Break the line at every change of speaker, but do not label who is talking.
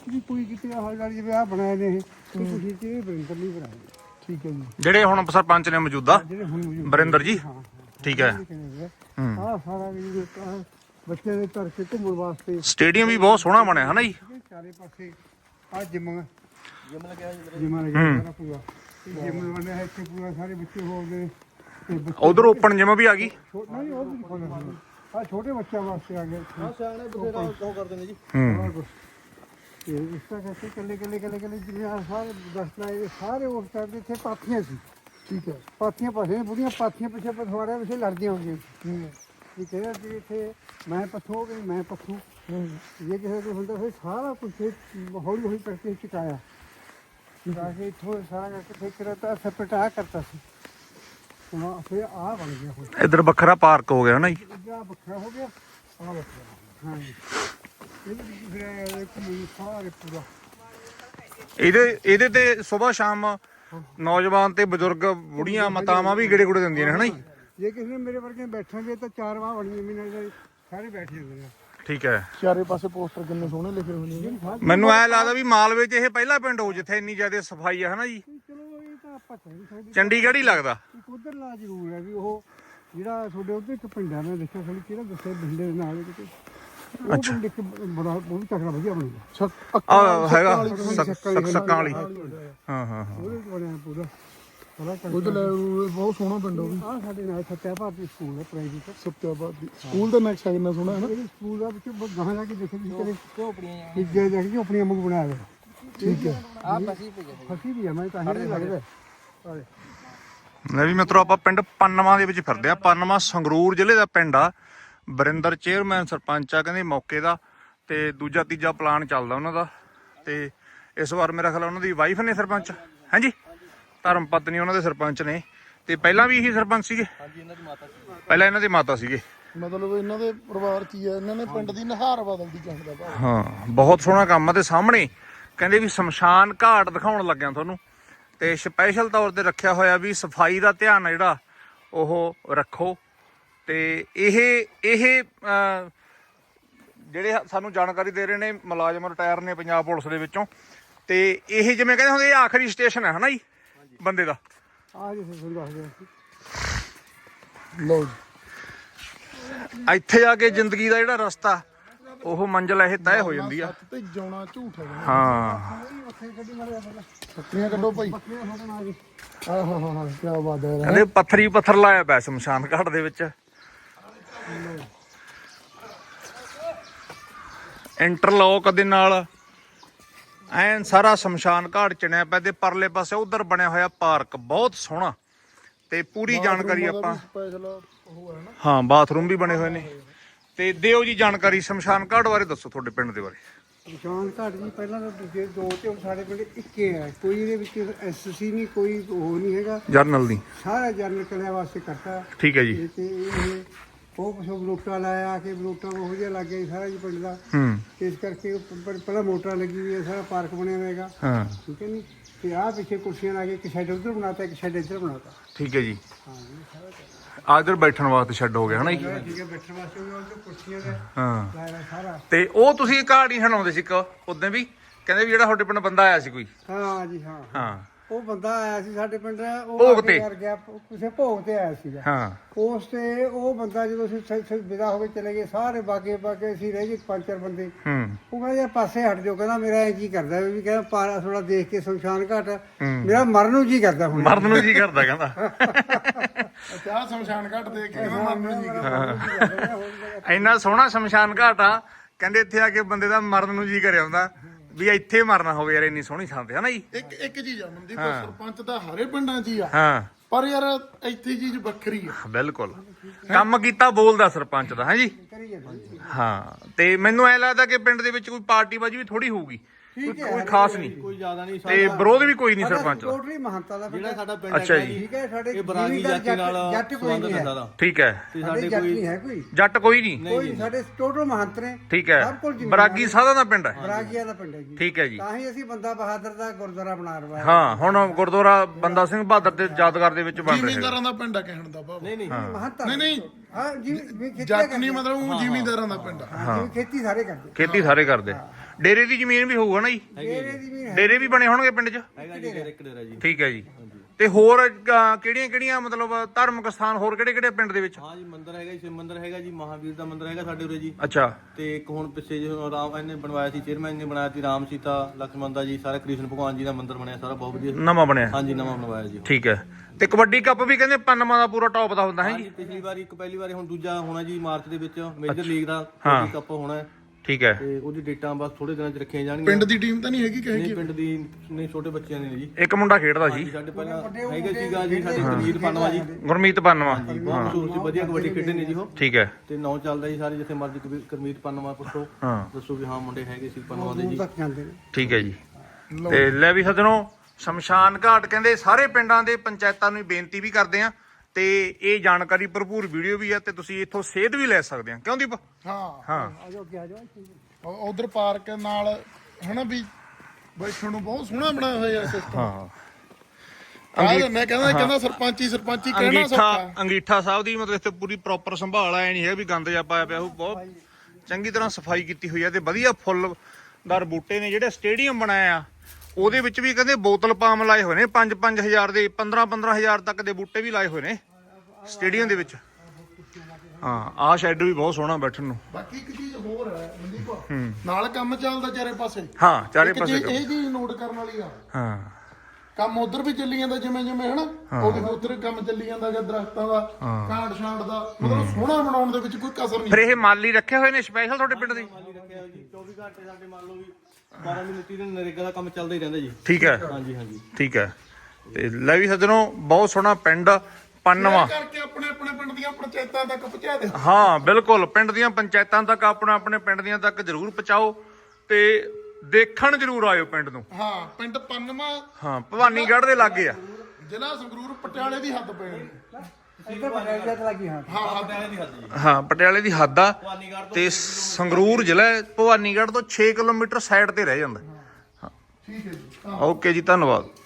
ਕੋਈ ਕਿਤੇ ਆਹ ਗੱਲ ਜਿਵੇਂ ਆਹ ਬਣਾਏ ਨੇ ਇਹ ਤੁਸੀਂ ਤੇ ਬਰਿੰਦਰ ਨਹੀਂ ਬਣਾਏ।
ਠੀਕ ਹੈ ਜੀ।
ਜਿਹੜੇ ਹੁਣ ਸਰਪੰਚ ਨੇ ਮੌਜੂਦਾ
ਜਿਹੜੇ ਹੁਣ ਮੌਜੂਦ
ਬਰਿੰਦਰ ਜੀ।
ਹਾਂ
ਠੀਕ ਹੈ।
ਆਹ ਸਾਰਾ ਵੀ ਬੱਚੇ ਦੇ ਘਰ ਕੇ ਘੁੰਮਣ ਵਾਸਤੇ
ਸਟੇਡੀਅਮ ਵੀ ਬਹੁਤ ਸੋਹਣਾ ਬਣਿਆ ਹੈ ਨਾ ਜੀ।
ਚਾਰੇ ਪਾਸੇ ਆਹ ਜਿਮ ਲੱਗਿਆ ਸਾਰਾ ਪੂਰਾ ਜਿਮ ਬਣਿਆ ਹੈ ਇੱਥੇ ਪੂਰਾ ਸਾਰੇ ਬੱਚੇ ਹੋ ਗਏ ਤੇ
ਉਧਰ ਓਪਨ ਜਿਮ ਵੀ ਆ ਗਈ।
ਨਹੀਂ ਉਹ ਵੀ ਖੋਲ੍ਹਿਆ ਹੋਇਆ। ਆਹ ਛੋਟੇ ਬੱਚਿਆਂ ਵਾਸਤੇ ਆ ਗਿਆ।
ਹਾਂ ਸਿਆਣੇ ਬਥੇਰਾ ਉਹ ਕਰਦੇ ਨੇ ਜੀ।
ਤੇ ਇਸ ਤਰ੍ਹਾਂ ਕਰਕੇ ਕੱਲੇ ਜਿਵੇਂ ਆਹ ਸਾਰੇ ਦਸਤਾਂ ਇਹ ਸਾਰੇ ਉਸ ਟਾਈਮ ਦੇ ਇੱਥੇ ਪਾਥੀਆਂ ਸੀ।
ਠੀਕ ਹੈ।
ਪਾਥੀਆਂ ਪਾਸੇ ਬੁੜੀਆਂ ਪਾਥੀਆਂ ਪਿੱਛੇ ਪਥਵਾੜਿਆਂ ਪਿੱਛੇ ਲੜਦੀਆਂ ਹੁੰਦੀਆਂ ਸੀ। ਇਹ ਕਹਿੰਦਾ ਕਿ ਇੱਥੇ ਮੈਂ ਪੱਥੂ ਕਿ ਮੈਂ ਪੱਥੂ ਜੇ ਕਿਸੇ ਕੋਈ ਹੁੰਦਾ ਫਿਰ ਸਾਰਾ ਕੁਝ ਹੌਲੀ ਹੌਲੀ ਕਰਕੇ ਚੁਕਾਇਆ ਚੁਕਾ ਕੇ ਇੱਥੋਂ ਸਾਰਾ ਕਰਕੇ ਠੇਕੇਦਾਰ ਤਾਂ ਸਪਟਾ ਕਰਤਾ ਸੀ। ਹੁਣ ਫਿਰ ਆਹ ਬਣ ਗਿਆ ਹੁਣ
ਇੱਧਰ ਵੱਖਰਾ ਪਾਰਕ ਹੋ ਗਿਆ ਨਾ ਜੀ।
ਆਹ ਵੱਖਰਾ ਹੋ ਗਿਆ ਆਹ ਵੱਖਰਾ ਹਾਂ ਜੀ। ਇਹ ਫਿਰ ਘੁੰਮੀ ਸਾਰੇ ਪੂਰਾ
ਇਹਦੇ ਤੇ ਸਵੇਰ ਸ਼ਾਮ ਨੌਜਵਾਨ ਤੇ ਬਜ਼ੁਰਗ ਬੁੜੀਆਂ ਮਾਤਾਵਾਂ ਵੀ ਗੇੜੇ ਗੁੜੇ ਦਿੰਦੀਆਂ ਨੇ ਹਨਾ ਜੀ।
ਜੇ ਕਿਸੇ ਨੇ ਮੇਰੇ ਵਰਗੇ ਬੈਠਾਂਗੇ ਤਾਂ 4 ਵਾਹ ਬਣੀਆਂ ਮਹੀਨੇ ਸਾਰੇ ਬੈਠ ਜਾਂਦੇ ਨੇ।
ਠੀਕ ਹੈ।
ਚਾਰੇ ਪਾਸੇ ਪੋਸਟਰ ਕਿੰਨੇ ਸੋਹਣੇ ਲਿਖੇ ਹੋਏ ਨੇ।
ਮੈਨੂੰ ਐ ਲੱਗਦਾ ਵੀ ਮਾਲਵੇ 'ਚ ਇਹ ਪਹਿਲਾ ਪਿੰਡ ਹੋ ਜਿੱਥੇ ਇੰਨੀ ਜ਼ਿਆਦਾ ਸਫਾਈ ਹੈ ਹਨਾ ਜੀ।
ਚਲੋ ਇਹ ਤਾਂ ਆਪਾਂ ਕਹਿ ਨਹੀਂ ਸਕਦੇ।
ਚੰਡੀਗੜ੍ਹ ਹੀ ਲੱਗਦਾ।
ਇੱਕ ਉਧਰਲਾ ਜ਼ਰੂਰ ਹੈ ਵੀ ਉਹ ਜਿਹੜਾ ਤੁਹਾਡੇ ਉੱਧਰ ਇੱਕ ਪਿੰਡਾਂ ਨੇ ਦੇਖਿਆ ਥੋੜੀ ਕਿਹੜਾ ਦੱਸਿਆ ਬਿੰਡੇ ਦੇ ਨਾਲ ਕਿਤੇ ਉਹ ਪਿੰਡ ਇੱਕ ਬੜਾ ਬਹੁਤ ਤਕੜਾ ਵਧੀਆ ਬਣਿਆ।
ਆ ਹੈਗਾ ਸੱਕਾਂ ਵਾਲੀ। ਹਾਂ
ਉਹਦੇ ਚ ਬਣਿਆ ਪੂਰਾ
ਉਹਦੇ ਲੈ ਬਹੁਤ ਸੋਹਣਾ ਪਿੰਡ ਉਹ ਵੀ।
ਆਹ ਸਾਡੇ ਨਾਲ ਸੱਤਿਆ ਭਾਰਤੀ ਸਕੂਲ ਹੈ ਪ੍ਰਾਈਵੇਟ
ਸਤਿਆਬਾਦ ਸਕੂਲ ਦਾ ਨਕਸ਼ਾ ਕਿੰਨਾ ਸੋਹਣਾ ਹੈ ਨਾ।
ਇਹ ਸਕੂਲ ਦਾ ਵਿੱਚ ਗਾਹਾਂ ਜਾ ਕੇ ਦੇਖੇ ਜੀ ਕਦੇ ਝੋਪੜੀਆਂ ਇੱਜੇ ਦੇਖ ਕੇ ਆਪਣੀਆਂ ਵਾਂਗੂ ਬਣਾਇਆ ਹੋਇਆ।
ਠੀਕ ਹੈ।
ਆਹ ਫਸੀ ਵੀ ਆ ਮੈਂ ਤਾਂ ਹੀ ਲੱਗਦਾ।
ਲੈ ਵੀ ਮਿੱਤਰੋ ਆਪਾਂ ਪਿੰਡ ਪੰਨਵਾਂ ਦੇ ਵਿੱਚ ਫਿਰਦੇ ਆ। ਪੰਨਵਾਂ ਸੰਗਰੂਰ ਜ਼ਿਲ੍ਹੇ ਦਾ ਪਿੰਡ ਆ। ਬਰਿੰਦਰ ਚੇਅਰਮੈਨ ਸਰਪੰਚ ਆ ਕਹਿੰਦੇ ਮੌਕੇ ਦਾ ਤੇ ਦੂਜਾ ਤੀਜਾ ਪਲਾਨ ਚੱਲਦਾ ਉਹਨਾਂ ਦਾ। ਤੇ ਇਸ ਵਾਰ ਮੇਰਾ ਖਿਆਲ ਉਹਨਾਂ ਦੀ ਵਾਈਫ ਨੇ ਸਰਪੰਚ ਹਾਂਜੀ ਧਰਮ ਪਤਨੀ ਉਹਨਾਂ ਦੇ ਸਰਪੰਚ ਨੇ ਤੇ ਪਹਿਲਾਂ ਵੀ ਇਹੀ ਸਰਪੰਚ ਸੀਗੇ।
ਹਾਂਜੀ ਇਹਨਾਂ ਦੀ ਮਾਤਾ ਸੀ।
ਪਹਿਲਾਂ ਇਹਨਾਂ ਦੇ ਮਾਤਾ ਸੀਗੇ।
ਮਤਲਬ ਇਹਨਾਂ ਦੇ ਪਰਿਵਾਰ ਚ ਹੀ ਆ। ਇਹਨਾਂ ਨੇ ਪਿੰਡ ਦੀ ਨਹਾਰ ਬਦਲਦੀ ਕਹਿੰਦਾ ਭਾਵ।
ਹਾਂ ਬਹੁਤ ਸੋਹਣਾ ਕੰਮ ਆ। ਤੇ ਸਾਹਮਣੇ ਕਹਿੰਦੇ ਵੀ ਸ਼ਮਸ਼ਾਨ ਘਾਟ ਦਿਖਾਉਣ ਲੱਗਿਆ ਤੁਹਾਨੂੰ ਤੇ ਸਪੈਸ਼ਲ ਤੌਰ ਤੇ ਰੱਖਿਆ ਹੋਇਆ ਵੀ ਸਫਾਈ ਦਾ ਧਿਆਨ ਜਿਹੜਾ ਉਹ ਰੱਖੋ। ਤੇ ਇਹ ਜਿਹੜੇ ਸਾਨੂੰ ਜਾਣਕਾਰੀ ਦੇ ਰਹੇ ਨੇ ਮੁਲਾਜ਼ਮ ਰਿਟਾਇਰ ਨੇ ਪੰਜਾਬ ਪੁਲਿਸ ਦੇ ਵਿੱਚੋਂ ਤੇ ਇਹ ਜਿਵੇਂ ਕਹਿੰਦੇ ਹੁੰਦੇ ਇਹ ਆਖਰੀ ਸਟੇਸ਼ਨ ਹੈ ਹਨਾ ਜੀ ਬੰਦੇ ਦਾ।
ਆ ਜੀ ਤੁਹਾਨੂੰ ਦੱਸ ਦਿਆਂ
ਲਓ ਜੀ।
ਇੱਥੇ ਆ ਕੇ ਜ਼ਿੰਦਗੀ ਦਾ ਜਿਹੜਾ ਰਸਤਾ ਉਹ ਮੰਜ਼ਿਲ ਇਹ ਤੈਅ ਹੋ ਜਾਂਦੀ ਆ।
ਸੱਚ ਤੇ ਜਾਉਣਾ ਝੂਠ ਹੈ।
ਹਾਂ
ਬੱਕਰੀਆਂ ਕੱਢੋ ਭਾਈ। ਆਹ ਹਾਂ ਕੀ ਬਾਤ ਹੈ।
ਕਹਿੰਦੇ ਪੱਥਰੀ ਪੱਥਰ ਲਾਇਆ ਪਿਆ ਸ਼ਮਸ਼ਾਨ ਘਾਟ ਦੇ ਵਿੱਚ। ਇੰਟਰਲੋਕ ਦੇ ਨਾਲ ਐਨ ਸਾਰਾ ਸ਼ਮਸ਼ਾਨ ਘਾਟ ਚਿਣਿਆ ਪਿਆ ਤੇ ਪਰਲੇ ਪਾਸੇ ਉਧਰ ਬਣਿਆ ਹੋਇਆ ਪਾਰਕ ਬਹੁਤ ਸੋਹਣਾ ਤੇ ਪੂਰੀ ਜਾਣਕਾਰੀ ਆਪਾਂ
ਸਪੈਸ਼ਲ ਉਹ ਹੈ ਨਾ।
ਹਾਂ ਬਾਥਰੂਮ ਵੀ ਬਣੇ ਹੋਏ ਨੇ। ਤੇ ਦਿਓ ਜੀ ਜਾਣਕਾਰੀ ਸ਼ਮਸ਼ਾਨ ਘਾਟ ਬਾਰੇ ਦੱਸੋ ਤੁਹਾਡੇ ਪਿੰਡ ਦੇ ਬਾਰੇ।
ਸ਼ਮਸ਼ਾਨ ਘਾਟ ਜੀ ਪਹਿਲਾਂ ਤਾਂ ਦੂਜੇ ਦੋ ਤੇ ਹੁਣ ਸਾਡੇ ਪਿੰਡ ਇੱਕੇ ਹੈ। ਕੋਈ ਇਹਦੇ ਵਿੱਚ ਐਸਸੀ ਨਹੀਂ ਕੋਈ ਉਹ ਨਹੀਂ ਹੈਗਾ।
ਜਰਨਲ ਦੀ
ਸਾਰਾ ਜਨਰਲ ਕਲਿਆਂ ਵਾਸਤੇ ਕਰਤਾ।
ਠੀਕ ਹੈ ਜੀ।
ਤੇ ਇਹ ਉਹ ਕੁਛ ਬਲੋਟਾ ਲਾਇਆ ਕਿ ਬਲੋਟਾ ਉਹ ਜਿਹਾ ਲੱਗ ਗਿਆ ਸਾਰਾ ਜੀ ਪਿੰਡ ਦਾ। ਇਸ ਕਰਕੇ ਪਹਿਲਾਂ ਮੋਟਰਾਂ ਲੱਗੀ ਹੋਈ ਹੈ ਸਾਰਾ ਪਾਰਕ ਬਣਿਆ ਹੋਏਗਾ।
ਹਾਂ
ਠੀਕ ਹੈ ਨੀ। ਤੇ ਆਹ ਪਿੱਛੇ ਕੁਰਸੀਆਂ ਲਾ ਕੇ ਇੱਕ ਸਾਈਡ ਉੱਧਰ ਬਣਾਤਾ ਇੱਕ ਸਾਈਡ ਇੱਧਰ ਬਣਾਤਾ।
ਠੀਕ ਹੈ ਜੀ।
ਹਾਂ ਜੀ ਸਾਰਾ
ਆ ਇੱਧਰ ਬੈਠਣ ਵਾਸਤੇ ਸ਼ੈੱਡ ਹੋ ਗਿਆ ਹਨਾ ਜੀ।
ਠੀਕ ਹੈ ਬੈਠਣ ਵਾਸਤੇ ਵੀ ਉੱਧਰ ਕੁਰਸੀਆਂ ਦਾ
ਹਾਂ
ਲਾਇਆ ਸਾਰਾ।
ਤੇ ਉਹ ਤੁਸੀਂ ਕਹਾਣੀ ਸੁਣਾਉਂਦੇ ਸੀ ਇੱਕ ਉਦੋਂ ਵੀ ਕਹਿੰਦੇ ਵੀ ਜਿਹੜਾ ਤੁਹਾਡੇ ਪਿੰਡ ਬੰਦਾ ਆਇਆ ਸੀ ਕੋਈ।
ਹਾਂ ਜੀ ਹਾਂ
ਹਾਂ
ਉਹ ਬੰਦਾ ਆਇਆ ਸੀ ਸਾਡੇ ਪਿੰਡ ਉਹ
ਭੋਗ
ਆ ਕੇ
ਤੇ।
ਯਾਰ ਗਿਆ ਕਿਸੇ ਭੋਗ ਤੇ ਆਇਆ ਸੀਗਾ।
ਹਾਂ
ਉਸ ਤੇ ਉਹ ਬੰਦਾ ਜਦੋਂ ਅਸੀਂ ਵਿਦਾ ਹੋ ਕੇ ਚਲੇ ਗਏ ਸਾਰੇ ਬਾਗੇ ਅਸੀਂ ਰਹਿ ਗਏ 5-4 ਬੰਦੇ। ਉਹ ਕਹਿੰਦਾ ਯਾਰ ਪਾਸੇ ਹਟ ਜਾਓ। ਕਹਿੰਦਾ ਮੇਰਾ ਇਹ ਜੀ ਕਰਦਾ ਵੀ ਕਹਿੰਦਾ ਪਾਰਾ ਥੋੜਾ ਦੇਖ ਕੇ ਸ਼ਮਸ਼ਾਨ ਘਾਟ ਮੇਰਾ ਮਰਨ ਨੂੰ ਜੀ ਕਰਦਾ ਹੁਣ।
ਮਰਨ ਨੂੰ ਜੀ ਕਰਦਾ ਕਹਿੰਦਾ।
ਅੱਛਾ ਸ਼ਮਸ਼ਾਨ ਘਾਟ ਦੇਖ ਕੇ ਮਰਨ ਨੂੰ ਜੀ ਕਰਦਾ।
ਇੰਨਾ ਸੋਹਣਾ ਸ਼ਮਸ਼ਾਨ ਘਾਟ ਆ ਕਹਿੰਦੇ ਇੱਥੇ ਆ ਕੇ ਬੰਦੇ ਦਾ ਮਰਨ ਨੂੰ ਜੀ ਕਰਿਆ ਹੁੰਦਾ ਵੀ ਇੱਥੇ ਮਰਨਾ ਹੋਵੇ ਯਾਰ ਇੰਨੀ ਸੋਹਣੀ ਥਾਂ ਤੇ ਹਨਾ ਜੀ।
ਇੱਕ ਚੀਜ਼ ਆ ਮਨਦੀਪ ਸਰਪੰਚ ਤਾਂ ਹਰੇ ਪਿੰਡਾਂ 'ਚ ਹੀ ਆ।
ਹਾਂ
ਪਰ ਯਾਰ ਇੱਥੇ ਚੀਜ਼ ਵੱਖਰੀ ਆ।
ਬਿਲਕੁਲ ਕੰਮ ਕੀਤਾ ਬੋਲਦਾ ਸਰਪੰਚ ਦਾ ਹੈ ਜੀ। ਹਾਂ ਤੇ ਮੈਨੂੰ ਐ ਲੱਗਦਾ ਕਿ ਪਿੰਡ ਦੇ ਵਿੱਚ ਕੋਈ ਪਾਰਟੀ ਬਾਜੀ ਵੀ ਥੋੜੀ ਹੋਊਗੀ। ਕੋਈ ਖਾਸ ਨਹੀਂ
ਕੋਈ ਜ਼ਿਆਦਾ ਨਹੀਂ।
ਤੇ ਵਿਰੋਧ ਵੀ ਕੋਈ ਨਹੀਂ ਸਰਪੰਚ ਦਾ।
ਟੋਟਲੀ ਮਹੰਤਾ ਦਾ
ਜਿਹੜਾ ਸਾਡਾ ਪਿੰਡ
ਅੱਛਾ
ਹੈਗਾ
ਜੀ।
ਠੀਕ ਹੈ ਸਾਡੇ
ਇਹ ਬਰਾਗੀ ਜਾਤੀ ਨਾਲ
ਜੱਟ ਕੋਈ
ਸੰਬੰਧ
ਨਹੀਂ
ਰੱਖਦਾ
ਹੈ।
ਦਾ।
ਠੀਕ ਹੈ।
ਤੇ
ਸਾਡੇ
ਸਾਡੇ
ਜੱਟ
ਕੋਈ
ਨਹੀਂ ਹੈ ਕੋਈ
ਜੱਟ ਕੋਈ ਨਹੀਂ।
ਕੋਈ ਸਾਡੇ ਟੋਟਲ ਮਹੰਤ ਨੇ।
ਠੀਕ ਹੈ।
ਸਭ ਕੋਲ ਜ਼ਮੀਨ
ਬਰਾਗੀ ਸਾਧਾਂ ਦਾ ਪਿੰਡ ਹੈ।
ਬਰਾਗੀਆਂ ਦਾ ਪਿੰਡ ਹੈ ਜੀ।
ਠੀਕ ਹੈ ਜੀ।
ਤਾਂ ਹੀ ਅਸੀਂ ਬੰਦਾ ਬਹਾਦਰ ਦਾ ਗੁਰਦੁਆਰਾ ਬਣਾ ਰਹਾ।
ਹਾਂ ਹੁਣ ਗੁਰਦੁਆਰਾ ਬੰਦਾ ਸਿੰਘ ਬਹਾਦਰ ਦੇ ਯਾਦਗਾਰ ਦੇ ਵਿੱਚ ਬਣ ਰਿਹਾ ਹੈ।
ਜ਼ਿਮੀਂਦਾਰਾਂ ਦਾ ਪਿੰਡ ਆ ਕਹਿਣ ਦਾ ਭਾਵ।
ਨਹੀਂ
ਮਹੰਤ
ਨਹੀਂ
ਹਾਂ ਜੀ ਖੇਤੀ
ਜੱਟ ਨਹੀਂ ਮਤਲਬ ਉਹ ਜ਼ਿਮੀਂਦਾਰਾਂ ਦਾ ਪਿੰਡ ਆ।
ਖੇਤੀ ਸਾਰੇ ਕਰਦੇ।
ਖੇਤੀ ਸਾਰੇ ਕਰਦੇ ਡੇਰੇ ਦੀ ਜ਼ਮੀਨ ਵੀ ਹੋਊਗਾ ਨਾ ਜੀ?
ਡੇਰੇ ਦੀ ਵੀ ਹੈ।
ਡੇਰੇ ਵੀ ਬਣੇ ਹੋਣਗੇ ਪਿੰਡ 'ਚ?
ਹੈਗਾ ਜੀ ਇੱਕ ਡੇਰਾ ਜੀ।
ਠੀਕ ਹੈ ਜੀ। ਤੇ ਹੋਰ ਕਿਹੜੀਆਂ ਮਤਲਬ ਧਾਰਮਿਕ ਸਥਾਨ ਹੋਰ ਕਿਹੜੇ ਪਿੰਡ ਦੇ ਵਿੱਚ?
ਹਾਂ ਜੀ ਮੰਦਿਰ ਹੈਗਾ ਜੀ, ਸ਼ਿਵ ਮੰਦਿਰ ਹੈਗਾ ਜੀ, ਮਹਾਵੀਰ ਦਾ ਮੰਦਿਰ ਹੈਗਾ ਸਾਡੇ ਉਰੇ ਜੀ।
ਅੱਛਾ।
ਤੇ ਇੱਕ ਹੁਣ ਪਿੱਛੇ ਜੋ ਰਾਮ ਇਹਨੇ ਬਣਵਾਇਆ ਸੀ, ਚੇਅਰਮੈਨ ਨੇ ਬਣਾਇਆ ਸੀ, ਰਾਮ ਸੀਤਾ ਲਕਸ਼ਮਣ ਦਾ ਜੀ, ਸਾਰਾ ਕ੍ਰਿਸ਼ਨ ਭਗਵਾਨ ਜੀ ਦਾ ਮੰਦਿਰ ਬਣਿਆ, ਸਾਰਾ ਬਹੁਤ ਵਧੀਆ।
ਨਵਾਂ ਬਣਿਆ?
ਹਾਂਜੀ ਨਵਾਂ ਬਣਵਾਇਆ ਜੀ।
ਠੀਕ ਹੈ। ਤੇ ਕਬੱਡੀ ਕੱਪ ਵੀ ਕਹਿੰਦੇ ਪੰਨਵਾਂ ਦਾ ਪੂਰਾ ਟੌਪ ਦਾ ਹੁੰਦਾ ਹੈ ਜੀ?
ਪਿਛਲੀ ਵਾਰੀ ਪਹਿਲੀ ਵਾਰੀ, ਹੁਣ ਦੂਜਾ ਹੋਣਾ ਜੀ ਮਾਰਚ ਦੇ ਵਿੱਚ, ਮੇਜਰ ਲੀਗ ਦਾ ਕਬੱਡੀ ਕੱਪ ਹੋਣਾ ਹੈ।
ਠੀਕ ਹੈ।
ਤੇ ਉਹਦੀ ਡੇਟਾਂ ਬਸ ਥੋੜੇ ਦਿਨਾਂ 'ਚ ਰੱਖੀਆਂ ਜਾਣਗੀਆਂ।
ਪਿੰਡ ਦੀ ਟੀਮ ਤਾਂ ਨਹੀਂ ਹੈਗੀ ਕਹੇ
ਨਹੀਂ ਪਿੰਡ ਦੀ ਨਹੀਂ, ਛੋਟੇ ਬੱਚਿਆਂ ਦੀ ਜੀ।
ਇੱਕ ਮੁੰਡਾ ਖੇਡਦਾ ਸੀ
ਸਾਡੇ ਪਹਿਲਾਂ ਹੈਗਾ ਸੀਗਾ ਜੀ, ਸਾਡੇ ਗੁਰਮੀਤ ਪੰਨਵਾ ਜੀ।
ਗੁਰਮੀਤ ਪੰਨਵਾ।
ਬਹੁਤ ਮਸ਼ਹੂਰ ਸੀ, ਵਧੀਆ ਕਬੱਡੀ ਖੇਡਦੇ ਨੇ ਜੀ ਉਹ।
ਠੀਕ ਹੈ।
ਤੇ ਨਾਂ ਚੱਲਦਾ ਜੀ ਸਾਰੇ, ਜਿੱਥੇ ਮਰਜ਼ੀ ਗੁਰਮੀਤ ਪੰਨਵਾ ਪੁੱਛੋ,
ਹਾਂ
ਦੱਸੋ ਵੀ ਹਾਂ ਮੁੰਡੇ ਹੈਗੇ ਸੀ ਪੰਨਵਾ ਦੇ
ਦੂਰ
ਜੀ।
ਤੱਕ ਜਾਂਦੇ ਨੇ।
ਠੀਕ ਹੈ ਜੀ। ਤੇ ਲੈ ਵੀ ਸੱਜਣੋ, ਸ਼ਮਸ਼ਾਨ ਘਾਟ ਕਹਿੰਦੇ ਸਾਰੇ ਪਿੰਡਾਂ ਦੇ ਪੰਚਾਇਤਾਂ ਨੂੰ ਬੇਨਤੀ ਵੀ ਕਰਦੇ ਆ ਤੇ ਇਹ ਜਾਣਕਾਰੀ ਭਰਪੂਰ ਵੀਡੀਓ ਵੀ ਆ ਤੇ ਤੁਸੀਂ ਇੱਥੋਂ ਸੇਧ ਵੀ ਲੈ ਸਕਦੇ ਆ। ਕਿਉਂ ਦੀਪ?
ਹਾਂ
ਹਾਂ।
ਆ ਜਾਓ ਅੱਗੇ ਆ ਜਾਓ।
ਉਧਰ ਪਾਰਕ ਨਾਲ ਹਨਾ ਵੀ ਬੈਠਣ ਨੂੰ ਬਹੁਤ ਸੋਹਣਾ ਬਣਾਇਆ ਹੋਇਆ ਸਿਸਟਮ।
ਹਾਂ।
ਮੈਂ ਕਹਿੰਦਾ ਸਰਪੰਚੀ ਕਹਿਣਾ ਸੌਖਾ।
ਅੰਗੀਠਾ ਸਾਹਿਬ ਦੀ ਮਤਲਬ ਇੱਥੇ ਪੂਰੀ ਪ੍ਰੋਪਰ ਸੰਭਾਲ ਐ ਨਹੀਂ ਹੈ ਵੀ ਗੰਦ ਜਾ ਪਾਇਆ ਪਿਆ ਉਹ, ਬਹੁਤ ਚੰਗੀ ਤਰ੍ਹਾਂ ਸਫਾਈ ਕੀਤੀ ਹੋਈ ਹੈ ਤੇ ਵਧੀਆ ਫੁੱਲਦਾਰ ਬੂਟੇ ਨੇ। ਜਿਹੜੇ ਸਟੇਡੀਅਮ ਬਣਾਇਆ ਆ ਉਹਦੇ ਵਿੱਚ ਵੀ ਕਹਿੰਦੇ ਬੋਤਲ ਪਾਮ ਲਾਏ ਹੋਏ ਨੇ, 5-5000 ਦੇ 15-15000 ਤੱਕ ਦੇ ਬੂਟੇ ਵੀ ਲਾਏ ਹੋਏ ਨੇ ਸਟੇਡੀਅਮ ਦੇ ਵਿੱਚ। ਹਾਂ ਆਹ ਸ਼ੈੱਡ ਵੀ ਬਹੁਤ ਸੋਹਣਾ ਬੈਠਣ ਨੂੰ।
ਬਾਕੀ ਇੱਕ ਚੀਜ਼ ਹੋਰ ਹੈ ਮਨਦੀਪ, ਨਾਲ ਕੰਮ ਚੱਲਦਾ ਚਾਰੇ ਪਾਸੇ।
ਹਾਂ ਚਾਰੇ
ਇੱਕ
ਪਾਸੇ
ਚੀਜ਼ ਇਹ ਚੀਜ਼ ਨੋਟ ਕਰਨ ਵਾਲੀ ਆ,
ਹਾਂ
ਕੰਮ ਉਧਰ ਵੀ ਚੱਲੀ ਜਾਂਦਾ ਜਿਵੇਂ ਹਨਾ, ਉਹ ਵੀ ਉਧਰ ਕੰਮ ਚੱਲੀ ਜਾਂਦਾ ਜਾਂ ਦਰਖਤਾਂ ਦਾ ਕਾਂਡ ਛਾਂਡ ਦਾ, ਮਤਲਬ ਸੋਹਣਾ ਬਣਾਉਣ ਦੇ ਵਿੱਚ ਕੋਈ ਕਸਰ ਨਹੀਂ।
ਫਿਰ ਇਹ ਮਾਲੀ ਰੱਖੇ ਹੋਏ ਨੇ ਸਪੈਸ਼ਲ ਤੁਹਾਡੇ ਪਿੰਡ ਦੇ?
ਮਾਲੀ ਰੱਖਿਆ ਹੋਇਆ ਜੀ, 24 ਘੰਟੇ ਸਾਡੇ ਮੰਨ ਲਓ ਵੀ 12 ਮਹੀਨੇ 30 ਦਿਨ ਨਰੇਗਾ ਦਾ ਕੰਮ ਚੱਲਦਾ ਹੀ ਰਹਿੰਦਾ ਜੀ।
ਠੀਕ ਹੈ।
ਹਾਂਜੀ ਹਾਂਜੀ
ਠੀਕ ਹੈ। ਤੇ ਲੈ ਵੀ ਸੱਜਣੋ, ਬਹੁਤ ਸੋਹਣਾ ਪਿੰਡ ਪੰਨਵਾ।
ਕਰਕੇ ਆਪਣੇ ਆਪਣੇ ਪਿੰਡ ਦੀਆਂ ਪੰਚਾਇਤਾਂ ਤੱਕ ਪਹੁੰਚਾ ਦੇ।
ਹਾਂ ਬਿਲਕੁਲ, ਪਿੰਡ ਦੀਆਂ ਪੰਚਾਇਤਾਂ ਤੱਕ ਆਪਣੇ ਪਿੰਡ ਦੀਆਂ ਤੱਕ ਜ਼ਰੂਰ ਪਹੁੰਚਾਓ ਤੇ ਦੇਖਣ ਜ਼ਰੂਰ ਆਇਓ ਪਿੰਡ ਨੂੰ।
ਹਾਂ ਪਿੰਡ ਪੰਨਵਾ,
ਹਾਂ ਭਵਾਨੀਗੜ੍ਹ ਦੇ ਲਾਗੇ ਆ।
ਜ਼ਿਲ੍ਹਾ ਸੰਗਰੂਰ, ਪਟਿਆਲੇ ਦੀ ਹੱਦ ਪੈਣੀ।
ਇੱਧਰ ਪਟਿਆਲੇ ਜੱਟ ਲੱਗੀ। ਹਾਂ
ਪਟਿਆਲੇ ਦੀ ਹੱਦ ਜੀ।
ਹਾਂ ਪਟਿਆਲੇ ਦੀ ਹੱਦ ਆ
ਭਵਾਨੀਗੜ੍ਹ ਤੋਂ
ਤੇ ਸੰਗਰੂਰ ਜ਼ਿਲ੍ਹਾ ਭਵਾਨੀਗੜ੍ਹ ਤੋਂ 6 ਕਿਲੋਮੀਟਰ ਸਾਈਡ ਤੇ ਰਹਿ ਜਾਂਦਾ।
ਠੀਕ ਹੈ ਜੀ।
ਓਕੇ ਜੀ, ਧੰਨਵਾਦ।